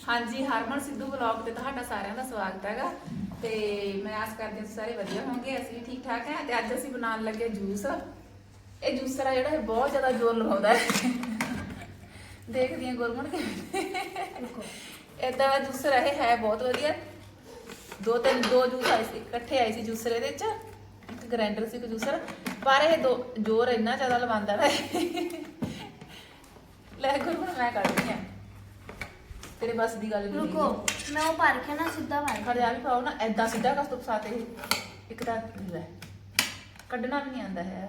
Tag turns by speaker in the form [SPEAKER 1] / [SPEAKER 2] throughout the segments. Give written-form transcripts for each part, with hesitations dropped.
[SPEAKER 1] ਹਾਂਜੀ ਹਰਮਨ ਸਿੱਧੂ ਵਲੌਗ ਤੇ ਤੁਹਾਡਾ ਸਾਰਿਆਂ ਦਾ ਸਵਾਗਤ ਹੈਗਾ ਤੇ ਮੈਂ ਆਸ ਕਰਦੀ ਹਾਂ ਤੁਸੀਂ ਸਾਰੇ ਵਧੀਆ ਹੋਵੋਗੇ। ਅਸੀਂ ਵੀ ਠੀਕ ਠਾਕ ਹਾਂ ਤੇ ਅੱਜ ਅਸੀਂ ਬਣਾਉਣ ਲੱਗੇ ਜੂਸ। ਇਹ ਜੂਸਰ ਆ ਜਿਹੜਾ ਇਹ ਬਹੁਤ ਜ਼ਿਆਦਾ ਜ਼ੋਰ ਲਗਾਉਂਦਾ ਹੈ। ਦੇਖਦੀ ਹਾਂ ਗੁਰਮਨ ਕਿ ਇਦਾਂ ਦਾ ਜੂਸਰ ਹੈ ਬਹੁਤ ਵਧੀਆ। ਦੋ ਜੂਸ ਆਏ ਸੀ ਇਕੱਠੇ ਆਏ ਸੀ ਜੂਸਰ ਇਹਦੇ ਚ, ਇੱਕ ਗ੍ਰਾਈਂਡਰ ਸੀ ਇੱਕ ਜੂਸਰ, ਪਰ ਇਹ ਜ਼ੋਰ ਇੰਨਾ ਜ਼ਿਆਦਾ ਲਵਾਉਂਦਾ ਨਾ। ਲੈ ਗੁਰਮਨ ਮੈਂ ਕੱਢਦੀ ਹਾਂ तेरे बस दी गल नहीं।
[SPEAKER 2] रुको मैं वो पार के ना सीधा पार
[SPEAKER 1] खड़े आ भी पाओ ना ऐदा सीधा कस तो फसाते एक ता है कड्ढना नहीं आंदा है।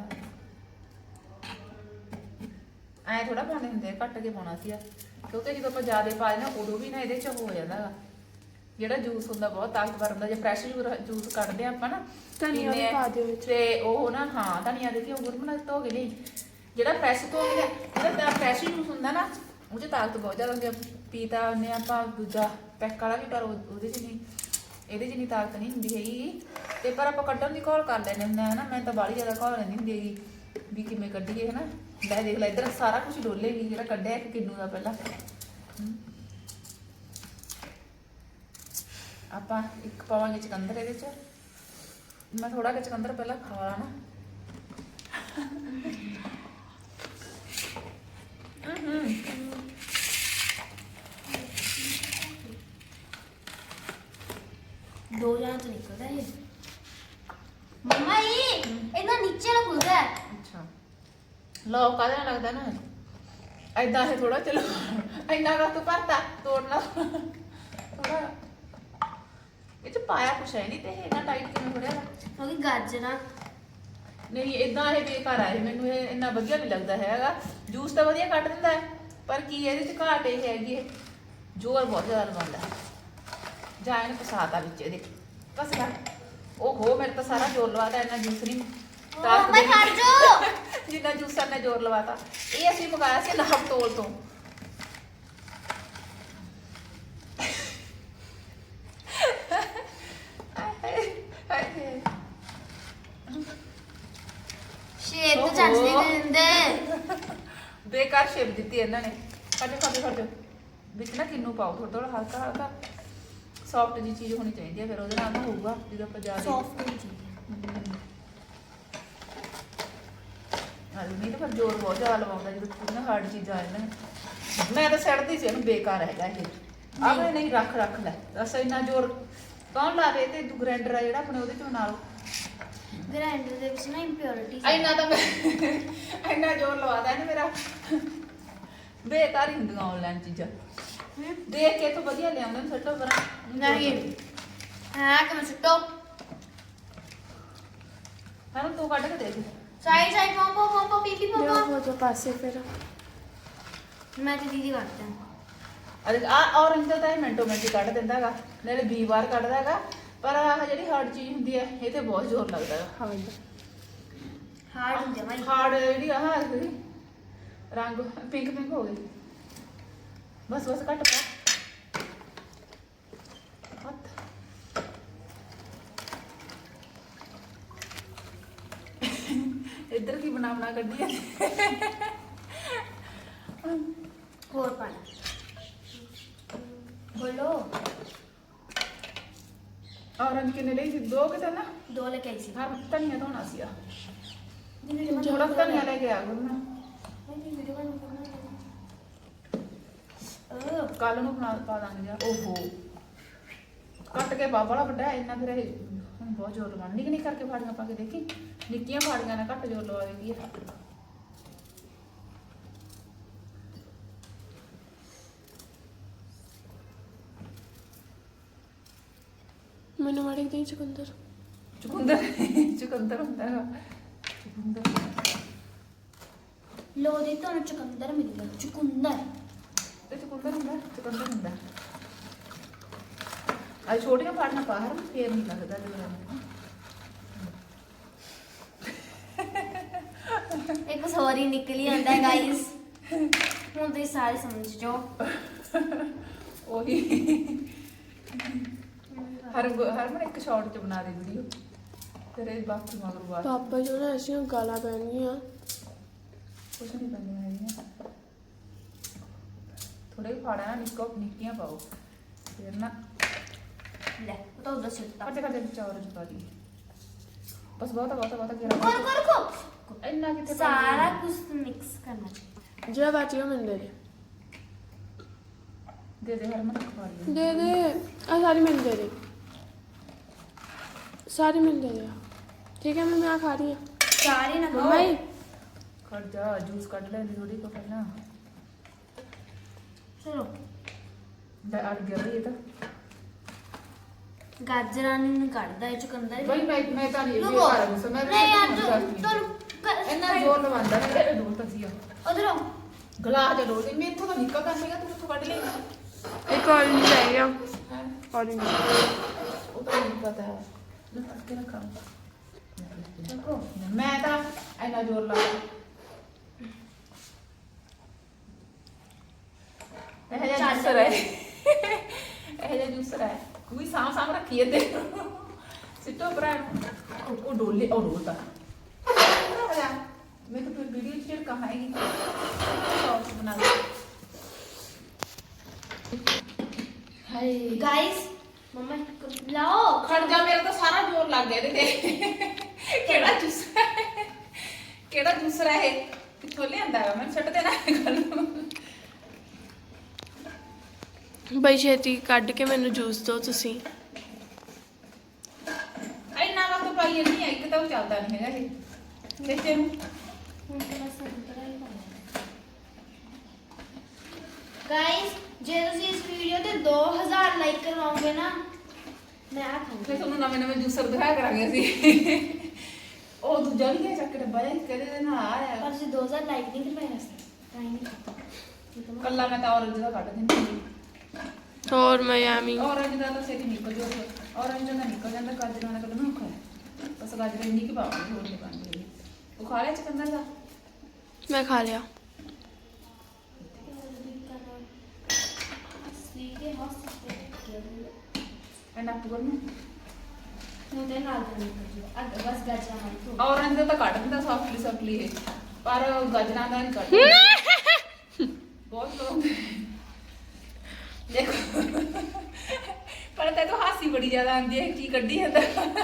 [SPEAKER 1] ऐ थोड़ा पाने हुंदे घट के पाना सी क्योंकि जो आप ज्यादा पा देना उदों भी ना ये हो जाता है ਜਿਹੜਾ ਜੂਸ ਹੁੰਦਾ ਬਹੁਤ ਤਾਕਤਵਰ ਹੁੰਦਾ। ਜੇ ਫਰੈਸ਼ ਜੂਸ ਕੱਢਦੇ ਆਪਾਂ ਨਾ
[SPEAKER 2] ਧਨੀਆ ਵੀ ਪਾ ਦਿਓ ਵਿੱਚ
[SPEAKER 1] ਤੇ ਉਹ ਨਾ ਹਾਂ ਧਨੀਆ ਦੇਖੀ ਉਹ ਗੁਰਮਨ ਧੋ ਕੇ ਨਹੀਂ ਜਿਹੜਾ ਫਰੈਸ਼ ਧੋ ਕੇ ਜਿਹੜਾ ਫਰੈਸ਼ ਜੂਸ ਹੁੰਦਾ ਨਾ ਉਹ 'ਚ ਤਾਕਤ ਬਹੁਤ ਜ਼ਿਆਦਾ ਹੁੰਦੀ ਆ। ਪੀਤਾ ਉਹਨੇ ਆਪਾਂ ਦੂਜਾ ਪੈਕ ਵਾਲਾ ਵੀ ਪਰ ਉਹਦੇ 'ਚ ਨਹੀਂ ਇਹਦੇ 'ਚ ਨਹੀਂ ਤਾਕਤ ਨਹੀਂ ਹੁੰਦੀ ਹੈਗੀ ਤੇ ਪਰ ਆਪਾਂ ਕੱਢਣ ਦੀ ਘੋਲ ਕਰ ਲੈਂਦੇ ਹੁੰਦੇ ਹਾਂ ਨਾ। ਮੈਂ ਤਾਂ ਬਾਹਲੀ ਜ਼ਿਆਦਾ ਘੋਲ ਲੈਂਦੀ ਹੁੰਦੀ ਹੈਗੀ ਵੀ ਕਿਵੇਂ ਕੱਢੀਏ ਹੈ ਨਾ। ਲੈ ਦੇਖ ਲੈ ਇੱਧਰ ਸਾਰਾ ਕੁਝ ਡੋਲੇਗੀ ਜਿਹੜਾ ਕੱਢਿਆ ਇੱਕ ਕਿੰਨੂ ਦਾ ਪਹਿਲਾਂ ਆਪਾਂ ਇੱਕ ਪਾਵਾਂਗੇ ਚਕੰਦਰ ਇਹਦੇ 'ਚ। ਮੈਂ ਥੋੜਾ ਜਿਹਾ ਚਕੰਦਰ ਪਹਿਲਾਂ ਖਾ ਨਾ
[SPEAKER 2] दो जन तो निकलता है मम्मा ये इतना नीचे ना खुलता है।
[SPEAKER 1] अच्छा लो कादा लगता ना ऐदा है थोड़ा चलो इन्ना का तो भरता तोड़ना थोड़ा ये च पाया कुछ है नहीं ते इन्ना टाइट किवें हो रहा
[SPEAKER 2] क्योंकि गाजरा
[SPEAKER 1] नहीं इदा ये बेकार है। मैनू ये इन्ना वधिया नहीं लगता हैगा। जूस तो वधिया कट दिंदा है पर की इहदे च घाट ये हैगी जोर बहुत ज़्यादा लवांदा है। जा इन्हें फसाता बिच ये बस कर ओहो मेरे तो सारा जोर लवाता इन्ना जूस नहीं जिन्ना जूसर ने जोर लवाता। ये असीं मंगाया सी नाप तोल तो
[SPEAKER 2] शेप तो चच नहीं देंदे
[SPEAKER 1] बेकार शेप दी इन्होंने। खड़ बिच ना किन्नू पाओ थोड़ा थोड़ा हल्का हल्का सॉफ्ट जी चीज़ होनी चाहिए फिर वो ना होगा जो आप
[SPEAKER 2] सॉफ्ट नहीं चाहिए
[SPEAKER 1] नहीं तो फिर जोर बहुत ज़्यादा लवाऊंगा जो ना हार्ड चीज़ा इन्हें। मैं तो सड़ती सी बेकार है ये अब नहीं रख रख लै बस इन्ना जोर कौन ला रहे थे तू ग्राइंडर है जो अपने वो बना लो
[SPEAKER 2] ग्राइंडर दे विच ना इंप्योरिटी
[SPEAKER 1] इन्ना तो मैं इन्ना जोर लवाता है ना मेरा बेकार ही होंगे ऑनलाइन चीज़ा देख के तो वधिया ले आउंदे सट्टो पर
[SPEAKER 2] नहीं हां कि मैं सुट्टो
[SPEAKER 1] हर तू काट के देख
[SPEAKER 2] साइड साइड पोंपो पीपी पोंपो
[SPEAKER 3] वो जो पासे फिर
[SPEAKER 2] मैं तो दीदी करते हैं।
[SPEAKER 1] अरे आ ऑरेंज तो मिनटों मिनट ही कट दिंदा हैगा नाले 20 बार कटदा हैगा पर आह ਜਿਹੜੀ ਹਾਰਡ ਚੀਜ਼ ਹੁੰਦੀ ਹੈ ਇਹ ਤੇ ਬਹੁਤ ਜ਼ੋਰ ਲੱਗਦਾ ਹੈ।
[SPEAKER 3] हाँ
[SPEAKER 2] हार्ड होते हैं भाई
[SPEAKER 1] ਹਾਰਡ ਜਿਹੜੀ ਆਹ ਰੰਗ ਪਿੰਕ ਪਿੰਕ ਹੋ ਗਈ ਬਸ ਬਸ ਕੱਟ ਪਾ ਹੱਥ ਇੱਧਰ ਕੀ ਬਣਾ ਕੱਢੀ ਹੈ
[SPEAKER 2] और पाना बोलो
[SPEAKER 1] ऑरेंज किन्ने ਲਈ ਸੀ ਦੋ ਕਿਤੇ ना
[SPEAKER 2] दो लेके आई सी
[SPEAKER 1] ਹਰ ਧਨੀਆ ਧੋਣਾ ਸੀ ਆ
[SPEAKER 2] वीडियो
[SPEAKER 1] ਥੋੜਾ ਧਨੀਆ ਲੈ ਕੇ ਆ ਗੁਰਨਾ ਕੱਲ ਨੂੰ ਬਣਾ ਪਾ ਦਾਂਗੇ ਯਾਰ। ਓਹੋ ਕੱਟ ਕੇ ਬਾਬਾ ਵੱਡਾ ਇੰਨਾ ਫਿਰ ਇਹ ਹੁਣ ਬਹੁਤ ਜ਼ੋਰ ਲਵਾਉਣਾ। ਨਿੱਕੀ ਨਿੱਕੀ ਕਰਕੇ ਫਾੜੀਆਂ ਪਾ ਕੇ ਦੇਖੀ ਨਿੱਕੀਆਂ ਫਾੜੀਆਂ ਨਾਲ ਘੱਟ ਜ਼ੋਰ ਲਵਾਵੇਗੀ ਇਹ।
[SPEAKER 3] मैंने मारे दी चुकंदर
[SPEAKER 1] ਚੁਕੰਦਰ ਚੁਕੰਦਰ ਹੁੰਦਾ ਹੈਗਾ ਚੁਕੰਦਰ
[SPEAKER 2] लो दी तो चुकंदर मिल गया चुकंदर
[SPEAKER 1] ਤੇ ਚੁਕੰਦਰ ਹੁੰਦਾ ਅੱਜ ਛੋਟੀਆਂ ਫਾੜੀਆਂ ਪਾ ਹਰ ਫੇਰ ਨਹੀਂ ਲੱਗਦਾ ਜਦੋਂ
[SPEAKER 2] एक सॉरी निकली आंदा है गाइस हुन तुसीं सारे समझ जाओ
[SPEAKER 1] ਉਹੀ हरमन एक शॉर्ट च बना दे वीडियो तेरे बाकी मगर बात
[SPEAKER 3] पापा जो ना ऐसी गाला पहन गई
[SPEAKER 1] कुछ नहीं करनी है थोड़े फाड़ा ना निक्कियां पाओ ਫਿਰ ਨਾ
[SPEAKER 2] ਲੈ ਉਹ ਤਾਂ ਉਧਰ ਸਿੱਟਾ
[SPEAKER 1] ਕੱਟੇ ਕੱਟੇ ਚੌਰ ਚ ਪਾ ਦੀ ਬਸ ਬਹੁਤ ਗਿਰਾ
[SPEAKER 2] ਰੁਕੋ
[SPEAKER 1] ਇੰਨਾ ਕਿੱਥੇ
[SPEAKER 2] ਸਾਰਾ ਕੁਝ ਮਿਕਸ ਕਰਨਾ
[SPEAKER 3] ਜਿਹੜਾ ਬਚ ਗਿਆ ਮੈਨੂੰ ਦੇ
[SPEAKER 1] ਦੇ ਹਰਮਨ ਖਾ ਲਈ
[SPEAKER 3] ਦੇ ਆ ਸਾਰੀ ਮੈਨੂੰ ਦੇ ਦੇ ਸਾਰੀ ਮੈਨੂੰ ਦੇ ਦੇ ਠੀਕ ਹੈ मैं खा रही हूँ
[SPEAKER 2] ਸਾਰੀ ਨਾ
[SPEAKER 3] मम्मा ही
[SPEAKER 1] ਖੜ ਜਾ ਜੂਸ ਕੱਢ ਲੈ ਥੋੜੀ ਕੋ ਪਹਿਲਾਂ
[SPEAKER 2] ਚਲੋ
[SPEAKER 1] ਦਾ ਅੜ ਗਿਆ ਇਹ ਤਾਂ
[SPEAKER 2] ਗਾਜਰਾਂ ਨੂੰ ਕੱਢਦਾ ਇਹ ਚੁਕੰਦਰ
[SPEAKER 1] ਬਈ ਮੈਂ ਤਾਂ ਨਹੀਂ
[SPEAKER 2] ਰੁਕੋ
[SPEAKER 1] ਕਰ ਰਹੀ ਸਮਝ
[SPEAKER 2] ਨਹੀਂ ਯਾਰ ਤੂੰ
[SPEAKER 1] ਇੰਨਾ ਜ਼ੋਰ ਲਵਾਂਦਾ ਨਾ ਇਹ ਦੂਰ ਤੱਕ ਸੀਗਾ
[SPEAKER 2] ਉਧਰੋਂ
[SPEAKER 1] ਗਲਾਸ ਦੇ ਲੋੜ ਮੈਂ ਇੱਥੋਂ ਤਾਂ ਨਿਕਲ ਕਰ ਸੀਗਾ ਤੂੰ ਇੱਥੋਂ ਕੱਢ ਲੇਗਾ
[SPEAKER 3] एक ऑरेंज रह गया
[SPEAKER 1] ਹੈ
[SPEAKER 3] ऑरेंज
[SPEAKER 1] ਉਹ ਤਾਂ ਨਹੀਂ ਪਤਾ ਹੈ ਲੈ ਫੜ ਕੇ ਰੱਖਾਂ ਦੇਖੋ ਮੈਂ ਤਾਂ ਇੰਨਾ ਜ਼ੋਰ ਲਾ ਇਹ ਜਿਹਾ ਜੂਸਰ ਹੈ ਇਹ ਜਿਹਾ ਜੂਸਰ ਹੈ ਕੋਈ ਸਾਮ ਰੱਖੀ ਤੇ ਸਿੱਟੋ ਭਰਾ ਉਹ ਡੋਲੇ ਉਹ ਡੋਲਦਾ मैं तो फिर वीडियो शेयर कहाँ आएगी सॉस बना दो हाय
[SPEAKER 2] गाइस मम्मा लाओ
[SPEAKER 1] खड़ जा मेरा तो सारा जोर लग गया ਇਹਦੇ ਕਿਹੜਾ ਜੂਸਰ ਹੈ ਕਿਹੜਾ ਜੂਸਰ ਹੈ ਕਿੱਥੋਂ ਲਿਆਂਦਾ ਹੈ ਮੈਂ ਛੱਡ ਦੇਣਾ ਗੱਲ ਨੂੰ
[SPEAKER 3] ਬਈ ਛੇਤੀ ਕੱਢ ਕੇ ਮੈਨੂੰ ਜੂਸ ਦਿਓ ਤੁਸੀਂ
[SPEAKER 1] ਇੰਨਾ ਵਕਤ ਪਾਈ ਨਹੀਂ ਹੈ ਇੱਕ ਤਾਂ ਉਹ ਚੱਲਦਾ ਨਹੀਂ ਹੈਗਾ ਇਹ ਦੇਖਦੇ ਨੂੰ
[SPEAKER 2] गाइस ਜੇ ਤੁਸੀਂ ਇਸ ਵੀਡੀਓ ਤੇ 2000 ਲਾਈਕ ਕਰਵਾਓਗੇ ਨਾ ਮੈਂ ਆ ਖਾਂਗੀ
[SPEAKER 1] ਫਿਰ ਤੁਹਾਨੂੰ ਨਵੇਂ ਜੂਸਰ ਦਿਖਾਇਆ ਕਰਾਂਗੇ ਅਸੀਂ ਉਹ ਦੂਜਾ ਵੀ ਹੈ ਚੱਕ ਕੇ ਡੱਬਾ ਜਿਹਾ ਕਹਦੇ ਦੇ ਨਾਲ ਆਇਆ
[SPEAKER 2] ਪਰ ਤੁਸੀਂ 2000 ਲਾਈਕ ਨਹੀਂ ਕਰਵਾਏ ਰਸਤੇ ਤਾਂ ਹੀ ਨਹੀਂ
[SPEAKER 1] ਕੱਲਾ ਮੈਂ ਤਾਂ ਔਰੰਜ ਦਾ ਕੱਢ ਦਿੰਦੀ
[SPEAKER 3] ਹੋਰ ਮੈਂ ਐਵੇਂ
[SPEAKER 1] ਔਰੰਜ ਦਾ ਤਾਂ ਛੇਤੀ ਨਿਕਲ ਜਾਊਗਾ ਔਰੰਜ ਦਾ ਨਿਕਲ ਜਾਂਦਾ ਗਾਜਰਾਂ ਦਾ ਕੱਢਣਾ ਔਖਾ ਹੈ ਬਸ ਗਾਜਰ ਇੰਨੀ ਕਿ ਪਾਵਾਂਗੇ ਹੋਰ ਨਹੀਂ ਪਾਉਂਦੇ ਉਹ ਖਾ ਲਿਆ ਚਕੰਦਰ ਦਾ
[SPEAKER 3] मैं खा लिया
[SPEAKER 2] ਸੀਗੇ ਹਸਪੀਟਲ
[SPEAKER 1] ਐਨਾ ਪੂਰ ਨੂੰ
[SPEAKER 2] ਨੂੰ ਤੇ ਨਾਲ ਦੇ ਅੱਗ ਬਸ ਗਾਜਰਾਂ ਨਾਲ ਤੋਂ
[SPEAKER 1] ਔਰੰਜ ਦਾ ਤਾਂ ਕੱਢ ਦਿੰਦਾ ਸੌਫਟਲੀ ਇਹ ਪਰ ਗਾਜਰਾਂ ਦਾ ਨਹੀਂ ਕੱਢਦਾ ਬਹੁਤ ਲੋਕ ਦੇਖੋ ਪਰ ਤੇ ਤਾਂ ਹਾਸੀ ਬੜੀ ਜ਼ਿਆਦਾ ਆਉਂਦੀ ਹੈ ਕੀ ਕੱਢੀ ਜਾਂਦਾ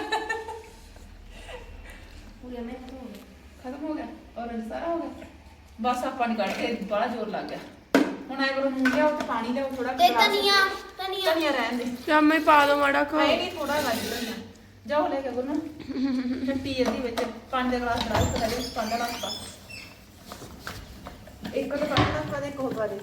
[SPEAKER 2] ਪੂਰੇ ਮੈਂ
[SPEAKER 1] ਖਤਮ ਹੋ ਗਿਆ ਔਰੰਜ ਸਾਰਾ ਹੋ ਗਿਆ ਬਸ ਆਪਾਂ ਨੇ ਕੱਢ ਕੇ ਬੜਾ ਜ਼ੋਰ ਲੱਗ ਗਿਆ ਹੁਣ ਆਏ ਕਰੋ ਮੂੰਹ ਲਿਆਓ ਤੇ ਪਾਣੀ ਲਿਆਓ ਥੋੜਾ
[SPEAKER 2] ਤੇ ਧਨੀਆ
[SPEAKER 1] ਧਨੀਆ ਰਹਿਣ ਦੇ
[SPEAKER 3] ਜਾਂ ਮੈਂ ਪਾ ਦੋ ਮਾੜਾ ਖਾ
[SPEAKER 1] ਆਏ ਨਹੀਂ ਥੋੜਾ ਲੱਗ ਧਨੀਆ ਜਾਓ ਲੈ ਕੇ ਗੁਰਨਾ ਟੱਟੀ ਇਹਦੀ ਵਿੱਚ 5 ਗਲਾਸ ਬਣਾ ਕੇ ਦੇ 5 ਗਲਾਸ ਪਾ ਇੱਕ ਤਾਂ ਪਾਣੀ ਪਾ ਦੇ ਇੱਕ ਹੋਰ ਪਾ ਦੇ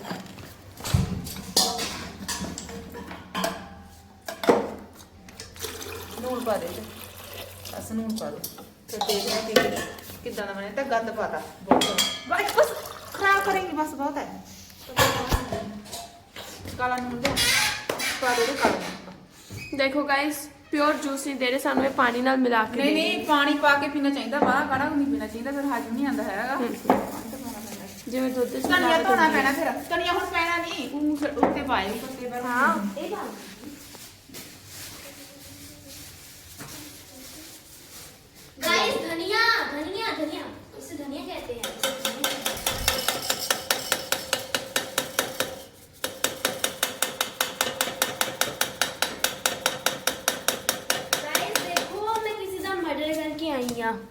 [SPEAKER 1] ਨੂਣ ਪਾ ਦੇ ਬਸ ਨੂਣ ਪਾ ਦੇ ਤੇ ਦੇਖਦੇ ਹਾਂ ਕਿ ਕਿੱਦਾਂ ਦਾ ਬਣਿਆ ਤਾਂ ਗੰਦ ਪਾਤਾ ਬਹੁਤ ਬਸ ਖਰਾਬ ਕरेंगे बस बहुत है ਕਾਲਾ ਨੂਣ ਦੇ ਪਾ ਦੇ ਕਾਲਾ ਨੂਣ
[SPEAKER 3] देखो गाइस प्योर जूस नहीं दे रहे सानू ये पानी नाल मिला के
[SPEAKER 1] नहीं
[SPEAKER 3] दे
[SPEAKER 1] नहीं पानी पा के पीना चाहिए बाहर काढ़ा नहीं पीना चाहिए फिर हाजम नहीं आंदा हैगा
[SPEAKER 3] जिवें दुध च
[SPEAKER 1] धनिया धोना पैना फिर धनिया हुण पैना नहीं उत्ते पाए पत्ते पर
[SPEAKER 2] हाँ ਇਹ ਗੱਲ गाइस धनिया धनिया धनिया इसे धनिया कहते हैं गाइस देखो मैं किसी का मर्डर करके आई हूं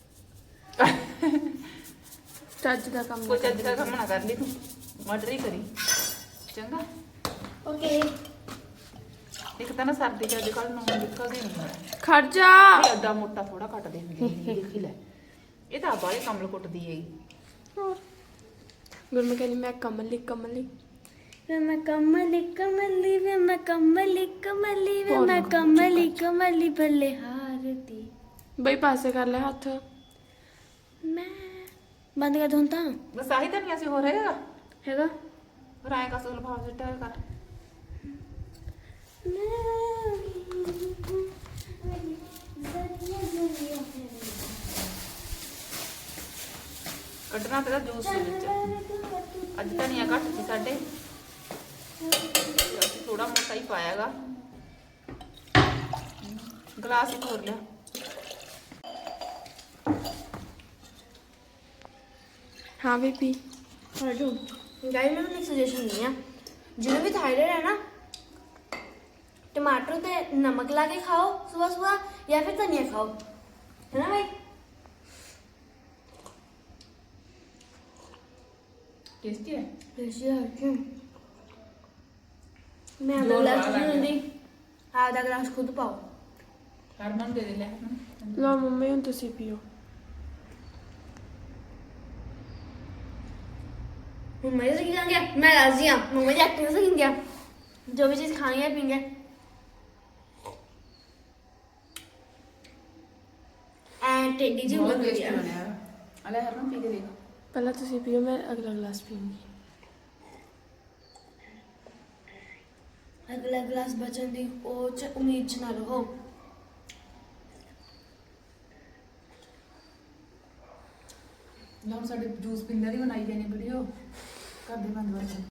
[SPEAKER 3] ਚੱਜ ਦਾ ਕੰਮ
[SPEAKER 1] कोई चज का काम ना कर ली तू मर्डर ही करी चंगा
[SPEAKER 2] ओके
[SPEAKER 1] एक ਤਾਂ ਨਾ ਸਰਦੀ ਚ ਅੱਜ ਕੱਲ ਨੂੰ ਨਿਕਲਦੇ ਨਹੀਂ
[SPEAKER 3] ਖੜ ਜਾ
[SPEAKER 1] ਇਹ ਅੱਡਾ ਮੋਟਾ ਥੋੜਾ ਕੱਟਦੇ ਹੁੰਦੇ ਨੇ ਦੇਖੀ ਲੈ ਇਹ ਤਾਂ ਬਾਲੇ ਕਮਲ ਕੁੱਟਦੀ ਹੈਗੀ
[SPEAKER 3] ਹੋਰ ਗੁਰਮੇ ਕਹਿੰਦੀ ਮੈਂ ਕਮਲੀ
[SPEAKER 2] वे मैं कमली कमली वे मैं कमली कमली वे मैं कमली कमली भले हारती
[SPEAKER 3] ਬਈ ਪਾਸੇ ਕਰ ਲੈ ਹੱਥ
[SPEAKER 2] मैं बंद कर दूं ता
[SPEAKER 1] ਬਸ ਆਹੀ ਤਾਂ ਨਹੀਂ ਅਸੀਂ ਹੋ ਰਹੇਗਾ
[SPEAKER 2] हैगा
[SPEAKER 1] ਫਿਰ ਆਏ ਕਾ ਸੁਲ ਭਾਵ ਸਿੱਟਾ ਕਰ ਕੱਢਣਾ ਤੇ ਜੂਸ ਦੇ ਵਿੱਚ ਅੱਜ ਧਨੀਆ ਘੱਟ ਸੀ ਸਾਡੇ ਅਸੀਂ ਥੋੜਾ ਮੋਟਾ ਹੀ ਪਾਇਆਗਾ ਗਲਾਸ ਹੀ ਖੋਲ ਲਿਆ
[SPEAKER 3] हाँ भी पी
[SPEAKER 2] गाइस मैं एक सजेशन नहीं है जिन्हें भी थायराइड है ना टमाटर ते नमक ला के खाओ सुबह सुबह या फिर धनिया खाओ, है ना भाई?
[SPEAKER 1] टेस्टी है।
[SPEAKER 2] मैं आधा
[SPEAKER 1] जोर
[SPEAKER 2] गिलास
[SPEAKER 1] वाला
[SPEAKER 2] नहीं
[SPEAKER 1] है।
[SPEAKER 2] दूंगी, आधा गिलास खुद पाओ।
[SPEAKER 1] हरमन दे दे ले हरमन।
[SPEAKER 3] ਲਓ ਮੰਮੀ ਹੁਣ ਤੁਸੀਂ ਪੀਓ।
[SPEAKER 2] मम्मा जी से क्या मैं राजी हूँ, मम्मा जी एक्टिंग से क्या जो भी चीज खानी है पीएंगे। एंड टेडी जी
[SPEAKER 1] बहुत
[SPEAKER 2] बहुत
[SPEAKER 1] टेस्टी
[SPEAKER 2] बढ़िया।
[SPEAKER 1] बना है। अले हरमन पी के देख।
[SPEAKER 3] ਪਹਿਲਾਂ ਤੁਸੀਂ ਪੀਓ, ਮੈਂ ਅਗਲਾ ਗਲਾਸ ਪੀਊਂਗੀ।
[SPEAKER 2] अगला गिलास बचन दी उम्मीद च ना रहो।
[SPEAKER 1] ਲਓ ਸਾਡੇ ਜੂਸ ਪੀਂਦੇ ਦੀ ਬਣਾਈ ਜਾਨੀ ਵੀਡੀਓ। ਕਰਦੇ ਬੰਦ